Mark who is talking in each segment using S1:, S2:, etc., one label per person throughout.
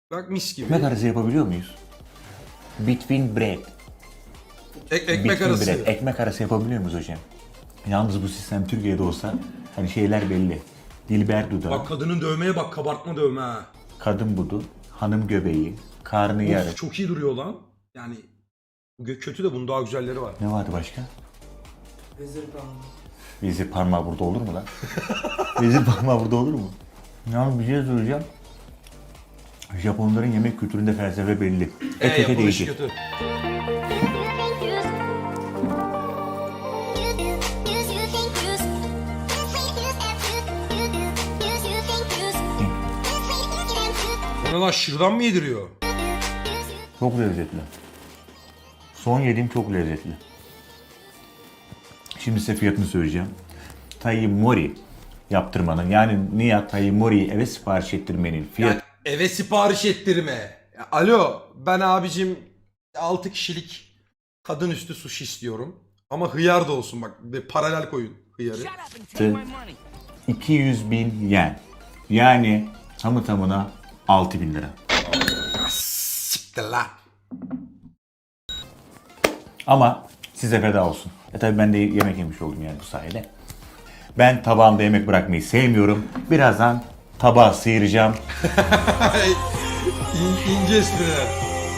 S1: Bak mis gibi.
S2: Ekmek arası yapabiliyor muyuz? Between bread.
S1: Ekmek
S2: Between
S1: arası.
S2: bread. Ekmek arası yapabiliyor muyuz hocam? Yalnız bu sistem Türkiye'de olsa hani şeyler belli. Dilber dudağı,
S1: Bak kadının dövmeye bak, kabartma dövme ha.
S2: kadın budu, hanım göbeği, karnı yarı.
S1: Of, çok iyi duruyor lan. Yani bu kötü de bunun daha güzelleri var.
S2: Ne vardı başka?
S3: Vezir parmağı.
S2: Vezir parmağı burada olur mu lan? Vezir parmağı burada olur mu? Yalnız bir şey söyleyeceğim. Japonların yemek kültüründe felsefe belli. Et ete
S1: Yapılışı
S2: değecek.
S1: kötü. Bana lan şırdan mı yediriyor?
S2: Çok lezzetli. Son yediğim çok lezzetli. Şimdi size fiyatını söyleyeceğim. Tai Mori yaptırmanın yani Nihat Tai Mori'yi eve sipariş ettirmenin fiyatı
S1: Yani eve sipariş ettirme. Ya, alo ben abicim 6 kişilik kadın üstü sushi istiyorum. Ama hıyar da olsun bak, bir paralel koyun hıyarı.
S2: 200.000 yen. Yani tamı tamına 6.000 lira.
S1: Siktir lan.
S2: Ama size feda olsun. Tabii ben de yemek yemiş oldum yani bu sayede. Ben tabağımda yemek bırakmayı sevmiyorum. Birazdan tabağı sıyıracağım.
S1: İnce espriler.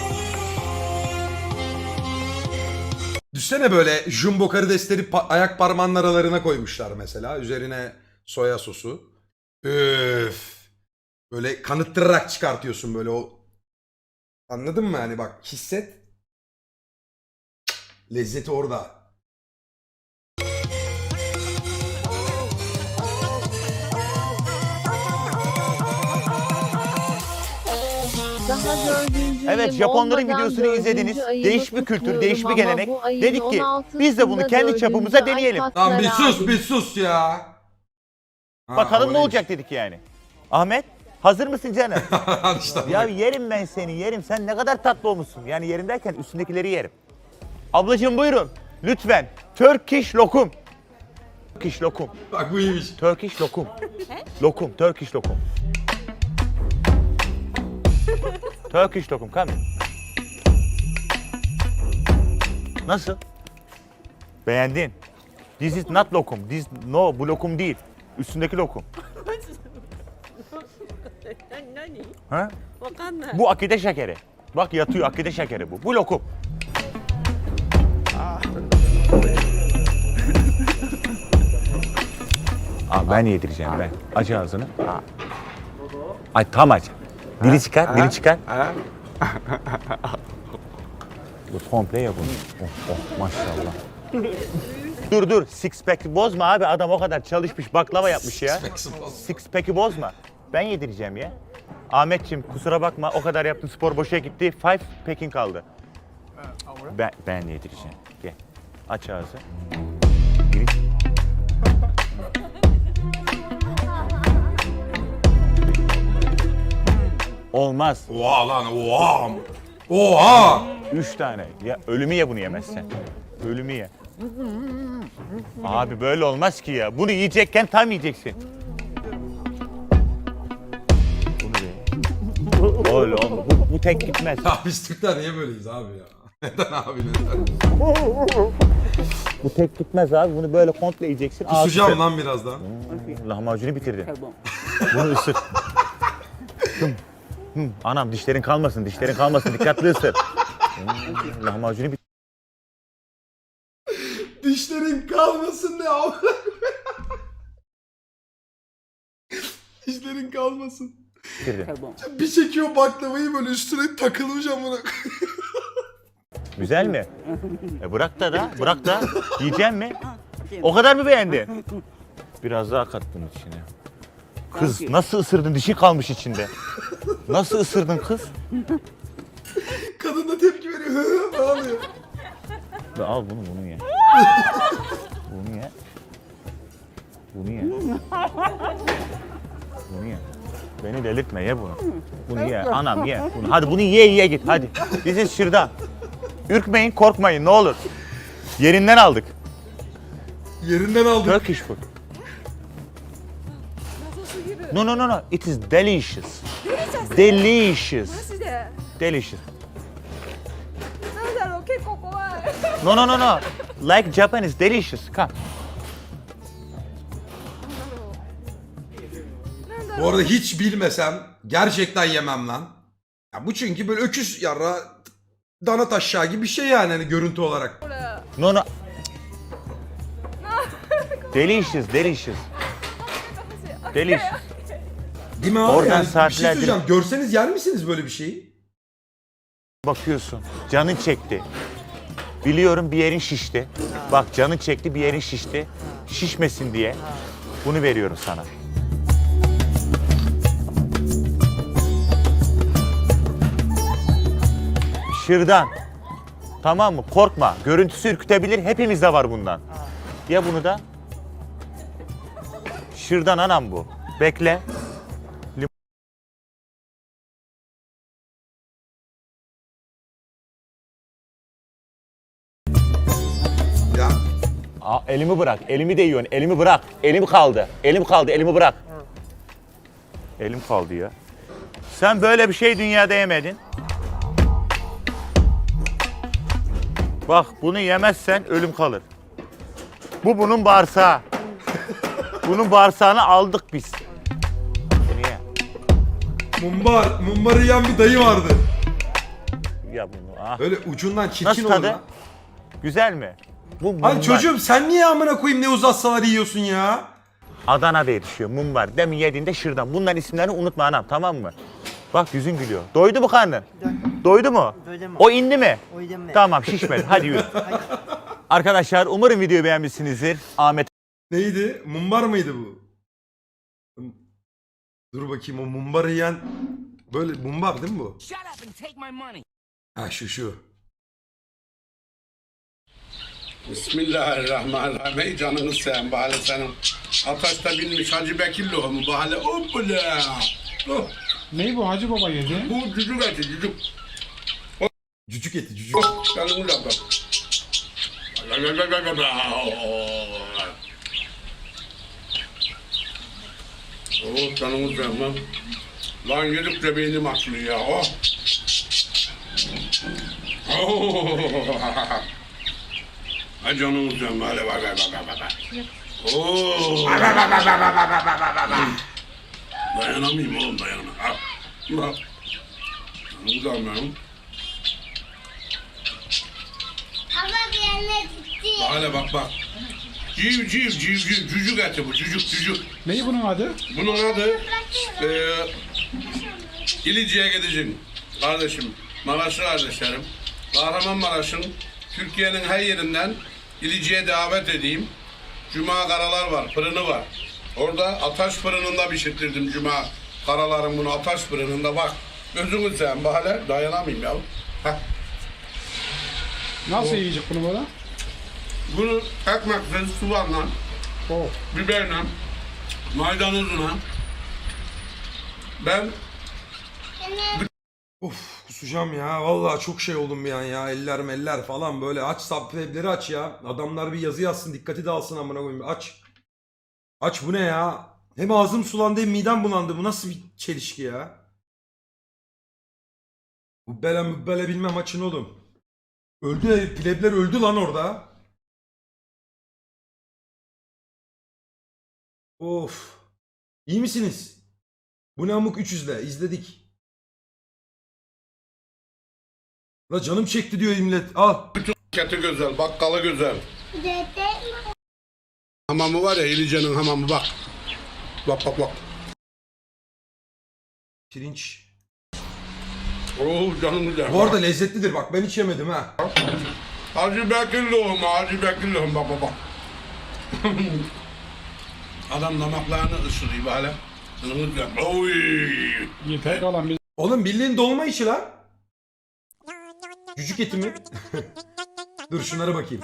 S1: Düşsene böyle jumbo karidesleri ayak parmağının aralarına koymuşlar mesela. Üzerine soya sosu. Öf. Böyle kanıttırarak çıkartıyorsun böyle o. Anladın mı hani bak hisset. Lezzeti orada.
S4: Daha 4.
S2: Evet, Japonların videosunu izlediniz. Değiş bir kültür, değiş bir gelenek. Dedik ki biz de bunu kendi çapımıza deneyelim.
S1: Lan bir sus ya. Ha,
S2: Bakalım
S1: o
S2: ne
S1: neymiş?
S2: olacak dedik yani. Ahmet, hazır mısın canım?
S1: Al işte
S2: Ya
S1: bak.
S2: yerim ben seni, yerim. Sen ne kadar tatlı olmuşsun. Yani yerim derken üstündekileri yerim. Ablacığım buyurun. Lütfen. Turkish lokum. Turkish lokum.
S1: Bak bu iyiymiş.
S2: Turkish lokum. Lokum, Turkish lokum. Turkish lokum, come. Nasıl? Beğendin. This is not lokum. No, bu lokum değil. Üstündeki lokum.
S4: 何
S2: Ha?
S4: わかんない。
S2: Bu akide şekeri. Bak yatıyor akide şekeri bu. Bu lokum. Ben yedireceğim ben. Aç ağzını. Ay tam aç. Dili çıkar, dili çıkar. Bu komple ya bunu. Oh, maşallah. Dur, six pack'i bozma abi. Adam o kadar çalışmış, baklava yapmış ya. Six pack'i bozma. Ben yedireceğim ya. Ahmetciğim kusura bakma, o kadar yaptın, spor boşa gitti. Five pack'in kaldı. Ben yedireceğim. Gel. Aç ağzı. Giriş. Olmaz.
S1: Oha lan oha. Oha.
S2: 3 tane. Ya ölümü ye bunu yemezsen. Ölümü ye. Abi böyle olmaz ki ya. Bunu yiyecekken tam yiyeceksin. Bunu da ye. Öyle olma. Bu tek gitmez.
S1: Ya biz Türkler niye böyleyiz abi ya? Neden abi neden?
S2: Bu tek gitmez abi. Bunu böyle komple yiyeceksin.
S1: Kusacağım lan birazdan.
S2: Lahmacunu bitirdin. Bunu ısır. Anam dişlerin kalmasın, dişlerin kalmasın. Dikkatli ısır. Lahmacunu bitir.
S1: Dişlerin kalmasın ne abi? Dişlerin kalmasın. Bir çekiyor baklavayı böyle üstüne takılmış amına.
S2: Güzel mi? Bırak da. Yiyecek mi? O kadar mı beğendin? Biraz daha kat bunun içine. Kız nasıl ısırdın? Dişi kalmış içinde. Nasıl ısırdın kız?
S1: Kadın da tepki veriyor. Ne oluyor?
S2: Al bunu ye. Bunu ye. Bunu ye. Bunu ye. Beni delirtme ye bunu. Bunu ye. Anam ye. Bunu. Hadi bunu ye git hadi. Bizi şırdan. Ürkmeyin, korkmayın ne olur. Yerinden aldık.
S1: Yerinden aldık.
S2: Turkish food. No, no, no, no. It is delicious.
S4: マ
S2: Delicious.
S4: ジで
S2: Delicious.
S4: なんだろう結構怖い
S2: No, no, no, no. Like Japanese, delicious. Come.
S1: Bu arada hiç bilmesem gerçekten yemem lan. Ya bu çünkü böyle öküz yarra dana taşağı gibi bir şey yani hani görüntü olarak.
S2: No, no. Delicious, delicious. Delicious.
S1: Değil mi abi?
S2: Oradan
S1: Yani bir şey
S2: saatlerdir-
S1: söyleyeceğim. Görseniz yer misiniz böyle bir şeyi?
S2: Bakıyorsun, canın çekti. Biliyorum bir yerin şişti. Bak canın çekti, bir yerin şişti. Şişmesin diye bunu veriyorum sana. Şırdan. Tamam mı? Korkma. Görüntüsü ürkütebilir. Hepimizde var bundan. Ya bunu da? Şırdan anam bu. Bekle.
S1: Ya
S2: Aa, elimi bırak. Elimi değiyorsun. Elimi bırak. Elim kaldı. Elim kaldı. Elimi bırak. Elim kaldı ya. Sen böyle bir şey dünyada yemedin. Bak bunu yemezsen ölüm kalır. Bu bunun bağırsağı. Bunun bağırsağını aldık biz. Bunu ye.
S1: mumbarı yiyen bir dayı vardı.
S2: Ya bunu. Ah.
S1: Öyle ucundan çirkin
S2: Nasıl
S1: olur
S2: tadı?
S1: lan.
S2: Güzel mi? Bu
S1: Hani
S2: mumbar.
S1: çocuğum sen niye amına koyayım ne uzatsalar yiyorsun ya?
S2: Adana'da yetişiyor mumbar. Demin yediğinde şırdan. Bunların isimlerini unutma anam, tamam mı? Bak yüzün gülüyor. Doydu mu karnın? Doydu mu?
S3: Doydum.
S2: O indi mi?
S3: O indi.
S2: Tamam şişmedi. Hadi yürü. Arkadaşlar umarım videoyu beğenmişsinizdir. Ahmet
S1: Neydi? Mumbar mıydı bu? Dur bakayım o mumbarı yiyen böyle mumbar değil mi bu?
S5: Shut up and take my money.
S1: Ha şu.
S6: Bismillahirrahmanirrahim. Ey canını seveyim bahane senin. Ataşta binmiş Hacı Bekir lohumu bahane. Hoppala. Oh,
S7: Ne bu Hacı Baba yedi?
S6: bu cücük eti cücük.
S1: Cücük eti cücük.
S6: Oh, canını da bak. Oh, canını seveyim lan. Lan yedikçe beynim açılıyor ya. Oh. Oh. Ay canını seveyim. Hadi bak. Oh. Dayanamayayım oğlum dayanamam. Al. Bak. Canını seveyim.
S8: Baba bir yerine gitti.
S6: Hala bak. Cücük eti bu cücük.
S7: Ne bunun adı?
S6: Bunun adı İlici'ye gideceksin kardeşim. Maraşlı kardeşlerim. Kahramanmaraş'ın Türkiye'nin her yerinden İlici'ye davet edeyim. Cuma karalar var, fırını var. Orada ataş fırınında pişirttirdim cuma karaların bunu ataş fırınında bak. Gözünü seveyim bahane dayanamayayım ya. Heh.
S7: Nasıl yiyecek bunu böyle?
S6: Bunu ekmekle, soğanla,
S7: Oh.
S6: biberle, maydanozla ben
S1: Of kusacağım ya. Vallahi çok şey oldum bir an ya. Eller meller falan böyle. Aç subwebleri aç ya. Adamlar bir yazı yazsın dikkati dağılsın amına koyayım. Aç. Aç bu ne ya? Hem ağzım sulandı hem midem bulandı. Bu nasıl bir çelişki ya? Mübbele bilmem açın oğlum. Öldü plebler öldü lan orada. Of. İyi misiniz? Bu ne amık 300'le izledik. La canım çekti diyor millet. Al.
S6: keti güzel, bakkalı güzel.
S8: Dede.
S6: Hamamı var ya İlice'nin hamamı bak. Bak.
S1: Pirinç.
S6: Oh canım güzel.
S1: Bu arada lezzetlidir bak ben hiç yemedim ha.
S6: Hacı Bekir lohumu bak. Adam damaklarını ısırıyor böyle. Canım güzel. Oy.
S7: Yeter kalan biz.
S1: Oğlum bildiğin dolma içi lan. Cücük eti mi? Dur şunlara bakayım.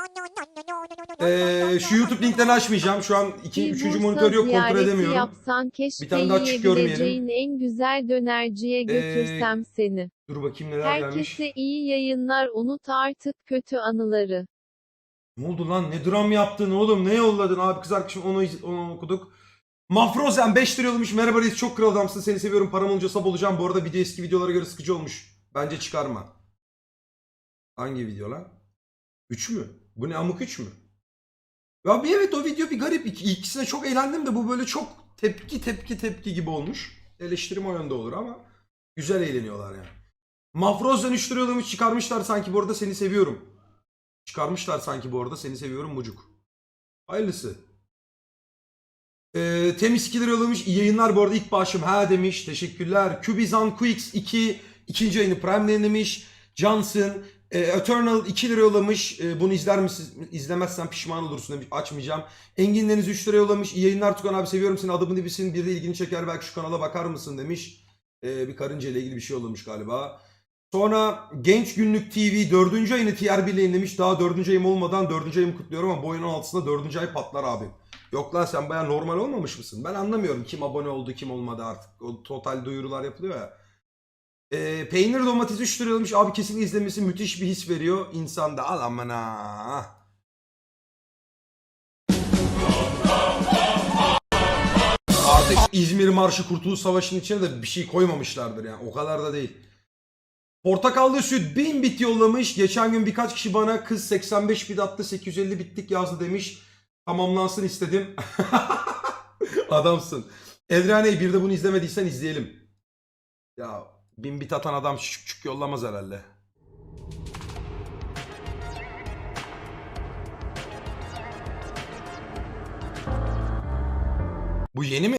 S1: Şu YouTube linklerini açmayacağım. Şu an 3. monitör yok kontrol edemiyorum.
S9: Yapsan keşke
S1: Bir tane daha çık görmeyelim.
S9: yiyebileceğin en güzel dönerciye götürsem seni.
S1: Dur bakayım neler gelmiş.
S9: Herkese iyi yayınlar, unut artık kötü anıları.
S1: Ne oldu lan? Ne dram yaptın oğlum? Ne yolladın? Abi kız arkadaşım onu okuduk. Mafrozen 5 lira yollamış. Merhaba reis, çok kral adamsın. Seni seviyorum. Param olunca sab olacağım. Bu arada video eski videolara göre sıkıcı olmuş. Bence çıkarma. Hangi video lan? 3 mü? Bu ne, Amuk 3 mü? Ya bir evet, o video bir garip. İkisine çok eğlendim de bu böyle çok tepki gibi olmuş. Eleştirim o yönde olur ama güzel eğleniyorlar yani. Mafrozen 3 lira yollamış. Çıkarmışlar sanki bu arada seni seviyorum. Çıkarmışlar sanki bu arada seni seviyorum mucuk. Hayırlısı. Temiz 2 lira yollamış. İyi yayınlar bu arada, ilk bağışım ha demiş. Teşekkürler. Kubizan Quix 2 ikinci ayını Prime yayınlamış. Johnson Eternal 2 lira yollamış. Bunu izler misin? İzlemezsen pişman olursun demiş. Açmayacağım. Engin Deniz 3 lira yollamış. İyi yayınlar Tukan abi, seviyorum seni. Adamın dibisin. Bir de ilgini çeker. Belki şu kanala bakar mısın demiş. Bir karınca ile ilgili bir şey yollamış galiba. Sonra Genç Günlük TV 4. ayını TR1 ile yayınlamış. Daha 4. ayım olmadan 4. ayımı kutluyorum ama bu ayın 16'sında 4. ay patlar abi. Yok lan, sen baya normal olmamış mısın? Ben anlamıyorum kim abone oldu kim olmadı artık. O total duyurular yapılıyor ya. Peynir domates 3 lira almış. Abi kesinlikle izlemesi müthiş bir his veriyor. İnsanda al aman ha. Artık İzmir Marşı Kurtuluş Savaşı'nın içine de bir şey koymamışlardır yani. O kadar da değil. Portakallı süt 1000 bit yollamış. Geçen gün birkaç kişi bana kız 85 bit attı 850 bitlik yazdı demiş. Tamamlansın istedim. Adamsın. Eldrane'yi bir de bunu izlemediysen izleyelim. Ya 1000 bit atan adam küçük yollamaz herhalde. Bu yeni mi?